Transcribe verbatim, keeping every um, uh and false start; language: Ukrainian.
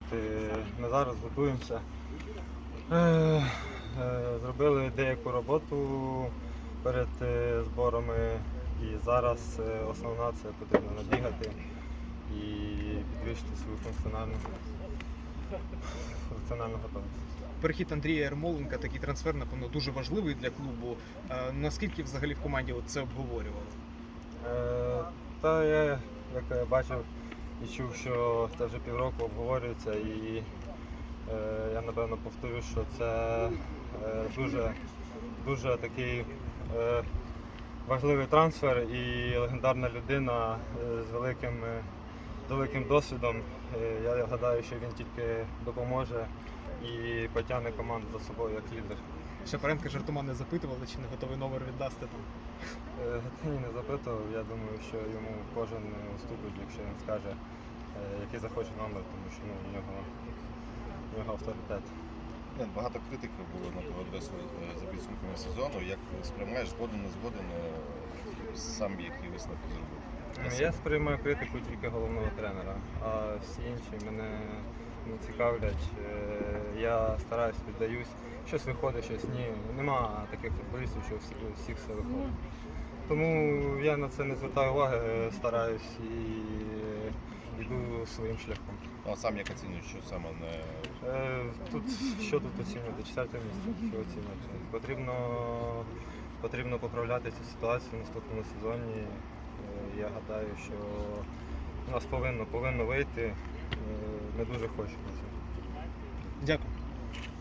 ми зараз готуємося. Е, е, Зробили деяку роботу перед е, зборами, і зараз е, основна це потрібно набігати і підвищити свою функціональну, функціональну готовність. Перехід Андрія Ярмоленка, такий трансфер, напевно, дуже важливий для клубу. Е, Наскільки взагалі в команді от це обговорювали? Е, Та я, як я бачив і чув, що це вже півроку обговорюється, і е, я напевно повторю, що це е, дуже, дуже такий е, важливий трансфер і легендарна людина е, з великим, е, з великим досвідом. Е, я гадаю, що він тільки допоможе і потягне команду за собою як лідер. Шапаренка жартома не запитували, чи не готовий номер віддасти там. Е, Ні, не запитував. Я думаю, що йому кожен уступить, якщо він скаже, е, який захоче номер, тому що ну, в нього, в нього авторитет. Ні, Багато критики було на твою адресу е, за підсумками сезону. Як сприймаєш, згоден, не згоден, е, сам які висновки зробив? Ну, Я сприймаю критику тільки головного тренера, а всі інші мене не цікавлять. Е, Я стараюсь, піддаюсь. Щось виходить, щось ні. Нема таких футболістів, що всі, всіх все виходить. Тому я на це не звертаю уваги, стараюсь і йду своїм шляхом. Ну, а сам як оцінюєш, що саме не Е, Тут що тут оцінювати? Четверте місце, що оцінювати? Потрібно, потрібно поправляти цю ситуацію в наступному сезоні. Е, Я гадаю, що у нас повинно, повинно вийти. Е, Ми дуже хочемо цього. Дякую.